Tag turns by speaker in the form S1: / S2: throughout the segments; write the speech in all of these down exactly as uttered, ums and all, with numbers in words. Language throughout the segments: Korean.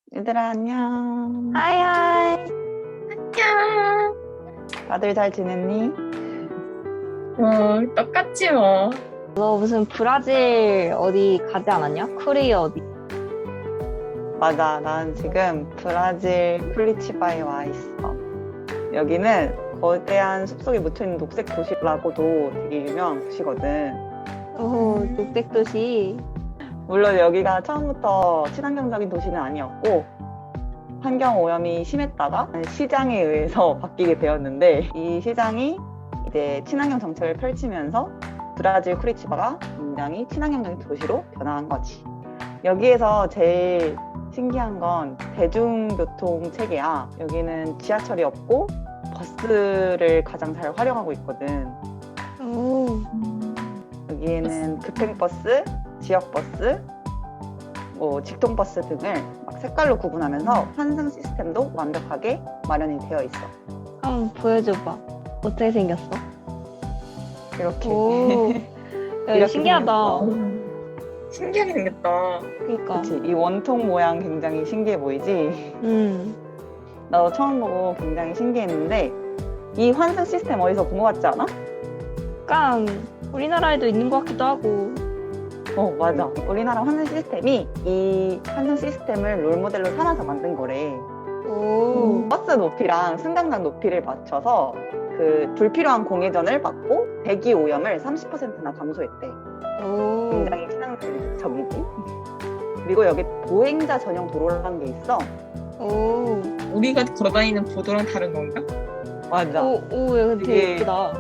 S1: 얘들아, 안녕.
S2: 하이하이.
S3: 안녕.
S1: 다들 잘 지냈니?
S3: 어, 똑같지 뭐.
S2: 너 무슨 브라질 어디 가지 않았냐? 코리아 어디?
S1: 맞아, 난 지금 브라질 쿠리치바에 와 있어. 여기는 거대한 숲속에 묻혀있는 녹색 도시라고도 되게 유명한 곳이거든.
S2: 오, 녹색도시.
S1: 물론 여기가 처음부터 친환경적인 도시는 아니었고, 환경 오염이 심했다가 시장에 의해서 바뀌게 되었는데, 이 시장이 이제 친환경 정책을 펼치면서 브라질 쿠리치바가 굉장히 친환경적인 도시로 변화한 거지. 여기에서 제일 신기한 건 대중교통 체계야. 여기는 지하철이 없고 버스를 가장 잘 활용하고 있거든.
S2: 오,
S1: 여기에는 급행버스, 지역버스, 뭐 직통버스 등을 막 색깔로 구분하면서 환승 시스템도 완벽하게 마련이 되어 있어.
S2: 한번 보여줘봐. 어떻게 생겼어?
S1: 이렇게.
S2: 오, 야,
S1: 이렇게
S2: 신기하다.
S1: 생겼어.
S3: 신기하게 생겼다.
S2: 그니까.
S1: 그치? 이 원통 모양 굉장히 신기해 보이지?
S2: 음,
S1: 나도 처음 보고 굉장히 신기했는데 이 환승 시스템 어디서 본 것 같지 않아?
S2: 약간 우리나라에도 있는 것 같기도 하고.
S1: 어, 맞아. 우리나라 환승 시스템이 이 환승 시스템을 롤모델로 삼아서 만든 거래.
S2: 오,
S1: 버스 높이랑 승강장 높이를 맞춰서 그 불필요한 공회전을 막고 대기 오염을 삼십 퍼센트나 감소했대.
S2: 오,
S1: 굉장히 친환경적이지. 그리고 여기 보행자 전용 도로라는 게 있어.
S2: 오,
S3: 우리가 걸어다니는 보도랑 다른 건가?
S1: 맞아.
S2: 오, 오, 야, 근데 되게
S1: 되게-
S2: 예쁘다.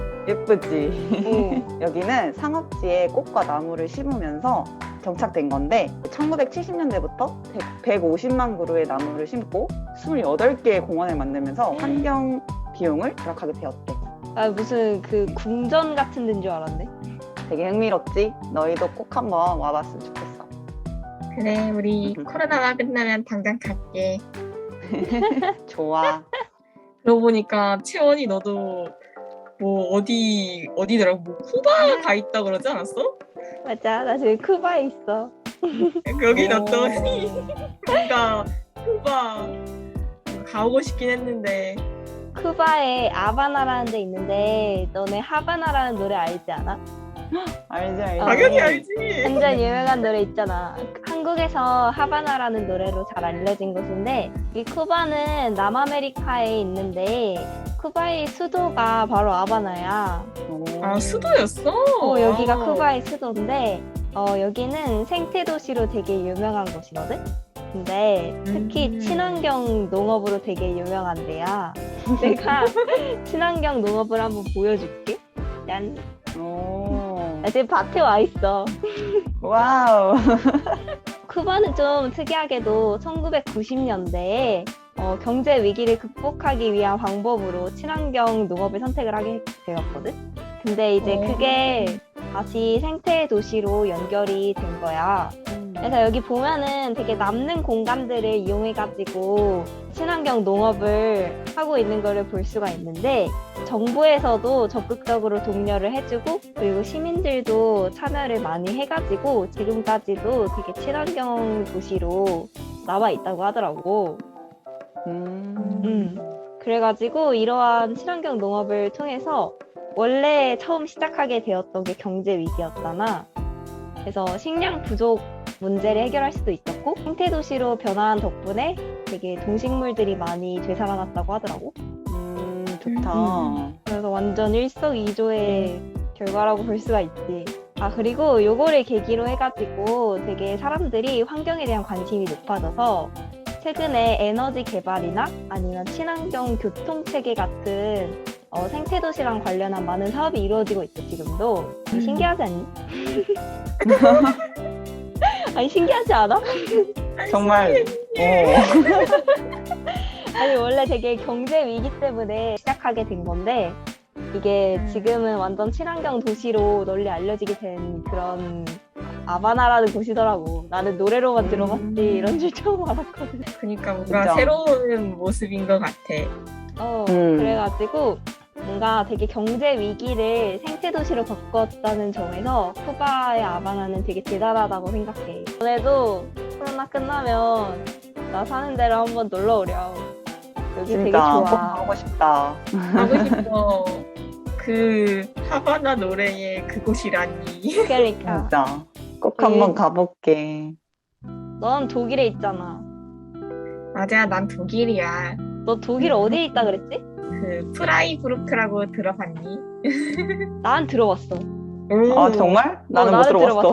S1: 예쁘지?
S2: 오,
S1: 여기는 상업지에 꽃과 나무를 심으면서 정착된 건데 천구백칠십 년대부터 백오십만 그루의 나무를 심고 이십팔 개의 공원을 만들면서 환경 비용을 절약하게 되었대.
S2: 아, 무슨 그 궁전 같은 데인 줄 알았네.
S1: 되게 흥미롭지? 너희도 꼭 한번 와봤으면 좋겠어.
S3: 그래, 우리 코로나가 끝나면 당장 갈게.
S1: 좋아.
S3: 그러고 보니까 채원이 너도 뭐 어디 어디더라? 뭐 쿠바 가 있다 그러지 않았어?
S2: 맞아, 나 지금 쿠바에 있어.
S3: 여기
S1: 오.
S3: 넣었더니 뭔가 쿠바 가보고 싶긴 했는데.
S2: 쿠바에 아바나라는 데 있는데 너네 하바나라는 노래 알지 않아?
S1: 알지 알지.
S2: 아,
S3: 당연히
S2: 네.
S3: 알지.
S2: 완전 유명한 노래 있잖아. 한국에서 하바나라는 노래로 잘 알려진 곳인데 이 쿠바는 남아메리카에 있는데 쿠바의 수도가 바로 아바나야.
S1: 오.
S3: 아, 수도였어?
S2: 어, 여기가
S3: 아.
S2: 쿠바의 수도인데 어, 여기는 생태 도시로 되게 유명한 곳이거든. 근데 특히
S3: 음.
S2: 친환경 농업으로 되게 유명한 데야. 내가 친환경 농업을 한번 보여줄게. 짠.
S1: 오.
S2: 나 지금 밭에 와 있어.
S1: 와우.
S2: 쿠바는 좀 특이하게도 천구백구십 년대에 어, 경제 위기를 극복하기 위한 방법으로 친환경 농업을 선택을 하게 되었거든. 근데 이제
S3: 오.
S2: 그게 다시 생태 도시로 연결이 된 거야. 그래서 여기 보면은 되게 남는 공간들을 이용해가지고 친환경 농업을 하고 있는 거를 볼 수가 있는데 정부에서도 적극적으로 독려를 해주고 그리고 시민들도 참여를 많이 해가지고 지금까지도 되게 친환경 도시로 남아 있다고 하더라고.
S1: 음.
S2: 음. 그래가지고 이러한 친환경 농업을 통해서 원래 처음 시작하게 되었던 게 경제 위기였잖아. 그래서 식량 부족 문제를 해결할 수도 있었고 생태 도시로 변화한 덕분에 되게 동식물들이 많이 되살아났다고 하더라고.
S1: 음, 좋다.
S3: 음.
S2: 그래서 완전 일석이조의 결과라고 볼 수가 있지. 아, 그리고 요거를 계기로 해가지고 되게 사람들이 환경에 대한 관심이 높아져서 최근에 에너지 개발이나 아니면 친환경 교통체계 같은 어, 생태도시랑 관련한 많은 사업이 이루어지고 있어, 지금도.
S3: 음.
S2: 신기하지 않니? 아니, 신기하지 않아?
S1: 정말. 오.
S2: 아니, 원래 되게 경제 위기 때문에 시작하게 된 건데, 이게
S3: 음.
S2: 지금은 완전 친환경 도시로 널리 알려지게 된 그런 아바나라는 곳이더라고. 나는 노래로만
S1: 음.
S2: 들어봤지, 이런 줄 처음 알았거든.
S3: 그러니까 뭔가
S1: 진짜.
S3: 새로운 모습인 것 같아.
S2: 어,
S1: 음.
S2: 그래가지고 뭔가 되게 경제 위기를 생태 도시로 바꿨다는 점에서 쿠바의 아바나는 되게 대단하다고 생각해. 전에도 코로나 끝나면 나 사는 데로 한번 놀러 오렴. 여기 되게
S1: 진짜 꼭
S2: 좋아.
S1: 가고 싶다.
S3: 가고 싶어. 그 하바나 노래의 그곳이라니.
S2: 그러니까
S1: 진짜 꼭
S2: 여기-
S1: 한번 가볼게.
S2: 넌 독일에 있잖아.
S3: 맞아, 난 독일이야.
S2: 너 독일 어디에 있다 그랬지?
S3: 그 프라이부르크라고 들어봤니?
S2: 난 들어봤어.
S3: 오.
S1: 아 정말? 나는 못
S2: 나는
S1: 들어봤어.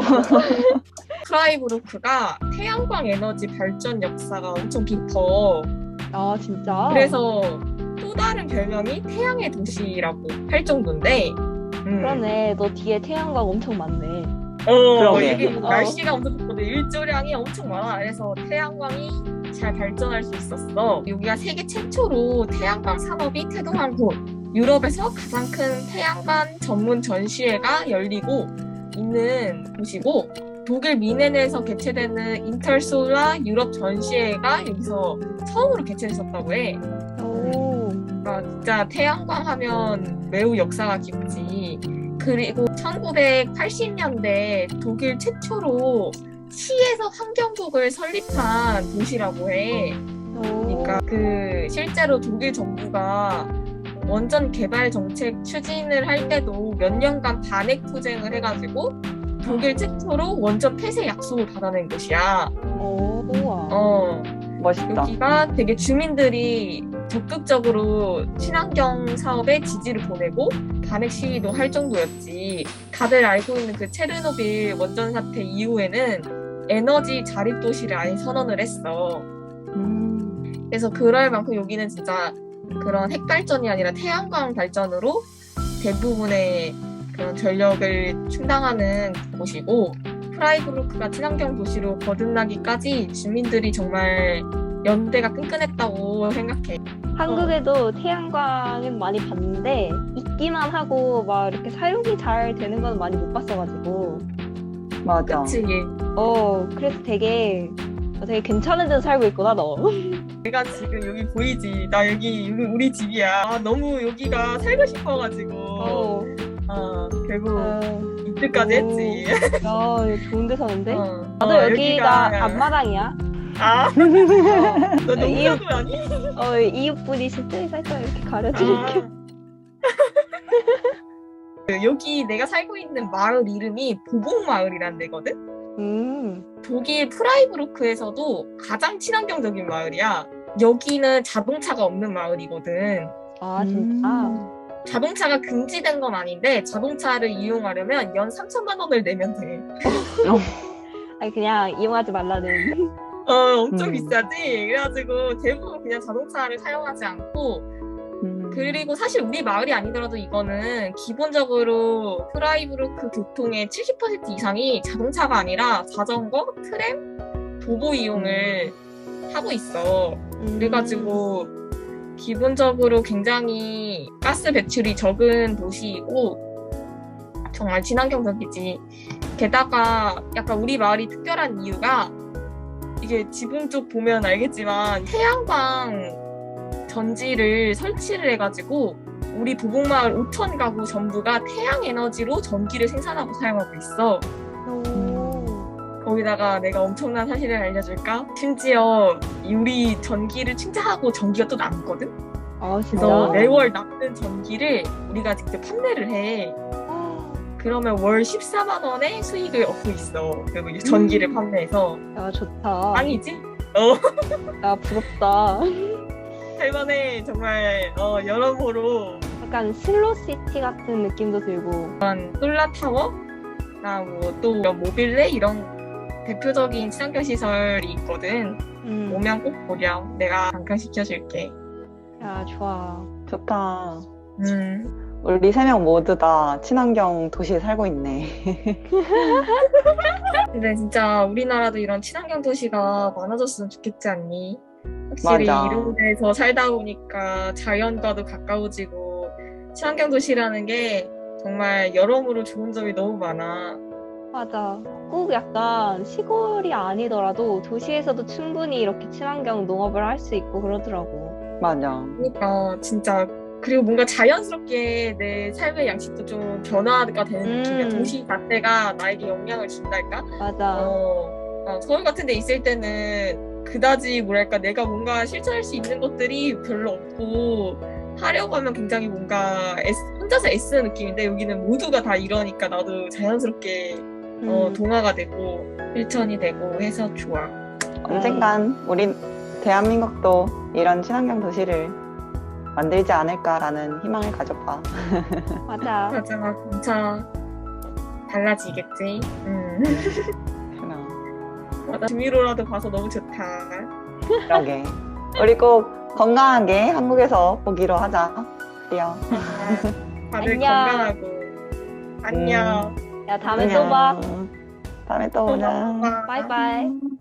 S3: 프라이부르크가 태양광 에너지 발전 역사가 엄청 깊어.
S2: 아 진짜?
S3: 그래서 또 다른 별명이 태양의 도시라고 할 정도인데. 음.
S2: 그러네. 너 뒤에 태양광 엄청 많네.
S3: 어,
S1: 그러게.
S3: 이게
S2: 어.
S3: 날씨가 엄청 좋거든. 일조량이 엄청 많아. 그래서 태양광이 잘 발전할 수 있었어. 여기가 세계 최초로 태양광 산업이 태동한 곳. 유럽에서 가장 큰 태양광 전문 전시회가 열리고 있는 곳이고, 독일 미넨에서 개최되는 인터솔라 유럽 전시회가 여기서 처음으로 개최됐었다고 해.
S2: 오.
S3: 아, 진짜 태양광 하면 매우 역사가 깊지. 그리고 천구백팔십 년대 독일 최초로 시에서 환경국을 설립한 도시라고 해. 그러니까 그 실제로 독일 정부가 원전 개발 정책 추진을 할 때도 몇 년간 반핵 투쟁을 해가지고 독일 최초로 원전 폐쇄 약속을 받아낸 곳이야.
S2: 오. 우와.
S3: 어.
S1: 멋있다.
S3: 여기가 되게 주민들이 적극적으로 친환경 사업에 지지를 보내고 반핵 시위도 할 정도였지. 다들 알고 있는 그 체르노빌 원전 사태 이후에는 에너지 자립 도시를 아예 선언을 했어.
S1: 음.
S3: 그래서 그럴 만큼 여기는 진짜 그런 핵 발전이 아니라 태양광 발전으로 대부분의 그런 전력을 충당하는 곳이고, 프라이부르크가 친환경 도시로 거듭나기까지 주민들이 정말 연대가 끈끈했다고 생각해.
S2: 한국에도 태양광은 많이 봤는데 있기만 하고 막 이렇게 사용이 잘 되는 건 많이 못 봤어가지고.
S1: 맞아.
S3: 그치?
S2: 어 그래서 되게 되게 괜찮은 데서 살고 있구나 너.
S3: 내가 지금 여기 보이지? 나 여기, 여기 우리 집이야. 아, 너무 여기가 살고 싶어가지고
S2: 어.
S3: 어, 결국
S2: 어.
S3: 입주까지
S2: 오.
S3: 했지.
S2: 야 좋은 데 사는데?
S3: 어.
S2: 나도
S3: 어,
S2: 여기가 앞마당이야.
S3: 아?
S2: 어,
S3: 너
S2: 이웃-
S3: 농사도 아니?
S2: 어 이웃분이실 때 살짝 이렇게 가려드릴게.
S3: 그 여기 내가 살고 있는 마을 이름이 보복마을이란 데거든?
S2: 음.
S3: 독일 프라이부르크에서도 가장 친환경적인 마을이야. 여기는 자동차가 없는 마을이거든.
S2: 아 진짜.
S1: 음.
S3: 자동차가 금지된 건 아닌데 자동차를 이용하려면 연 삼천만 원을 내면 돼.
S2: 아니 그냥 이용하지 말라는.
S3: 어, 엄청
S1: 음.
S3: 비싸지? 그래가지고 대부분 그냥 자동차를 사용하지 않고,
S1: 음.
S3: 그리고 사실 우리 마을이 아니더라도 이거는 기본적으로 프라이부르크 교통의 칠십 퍼센트 이상이 자동차가 아니라 자전거, 트램, 도보 이용을 하고 있어.
S2: 음.
S3: 그래가지고 기본적으로 굉장히 가스 배출이 적은 도시이고 정말 친환경적이지. 게다가 약간 우리 마을이 특별한 이유가, 이게 지붕 쪽 보면 알겠지만 태양광 전지를 설치를 해가지고 우리 보복마을 오천 가구 전부가 태양 에너지로 전기를 생산하고 사용하고 있어.
S2: 오.
S3: 거기다가 내가 엄청난 사실을 알려줄까? 심지어 우리 전기를 충전하고 전기가 또 남거든?
S2: 아 진짜.
S3: 그래서 매월 남는 전기를 우리가 직접 판매를 해. 그러면 월 십사만 원의 수익을 얻고 있어. 그리고 이 전기를 판매해서.
S2: 야 좋다.
S3: 아니지? 어,
S2: 야 부럽다.
S3: 할만해. 정말, 어, 여러모로
S2: 약간 슬로시티 같은 느낌도 들고.
S3: 솔라타워, 나뭐또 모빌레 이런 대표적인 친환경 시설이 있거든.
S2: 음.
S3: 오면 꼭 보렴. 내가 잠깐 시켜줄게.
S2: 야 좋아.
S1: 좋다.
S3: 음.
S1: 우리 세 명 모두 다 친환경 도시에 살고 있네.
S3: 근데 진짜 우리나라도 이런 친환경 도시가 많아졌으면 좋겠지 않니? 확실히
S1: 맞아.
S3: 이런 데서 살다 보니까 자연과도 가까워지고 친환경 도시라는 게 정말 여러모로 좋은 점이 너무 많아.
S2: 맞아. 꼭 약간 시골이 아니더라도 도시에서도 충분히 이렇게 친환경 농업을 할 수 있고 그러더라고.
S1: 맞아.
S3: 그러니까 진짜, 그리고 뭔가 자연스럽게 내 삶의 양식도 좀 변화가 되는
S2: 음.
S3: 느낌이야. 도시 자체가 나에게 영향을 준달까?
S2: 맞아.
S3: 어, 어, 서울 같은 데 있을 때는 그다지 뭐랄까 내가 뭔가 실천할 수 있는 것들이 별로 없고 하려고 하면 굉장히 뭔가 애쓰, 혼자서 애쓰는 느낌인데 여기는 모두가 다 이러니까 나도 자연스럽게 어,
S2: 음.
S3: 동화가 되고 실천이 되고 해서 좋아.
S1: 언젠간 우리 대한민국도 이런 친환경 도시를 만들지 않을까라는 희망을 가져봐.
S2: 맞아.
S3: 맞아, 진짜 달라지겠지. 음.
S1: 그럼.
S3: 맞아, 주미로라도 봐서 너무 좋다.
S1: 그러게. 우리 꼭 건강하게 한국에서 보기로 하자. 그래요.
S3: 다들
S2: 안녕.
S3: 건강하고 안녕.
S2: 야, 다음에 또 봐.
S1: 안녕. 다음에 또
S3: 또
S1: 보자.
S3: 봐.
S2: 바이바이.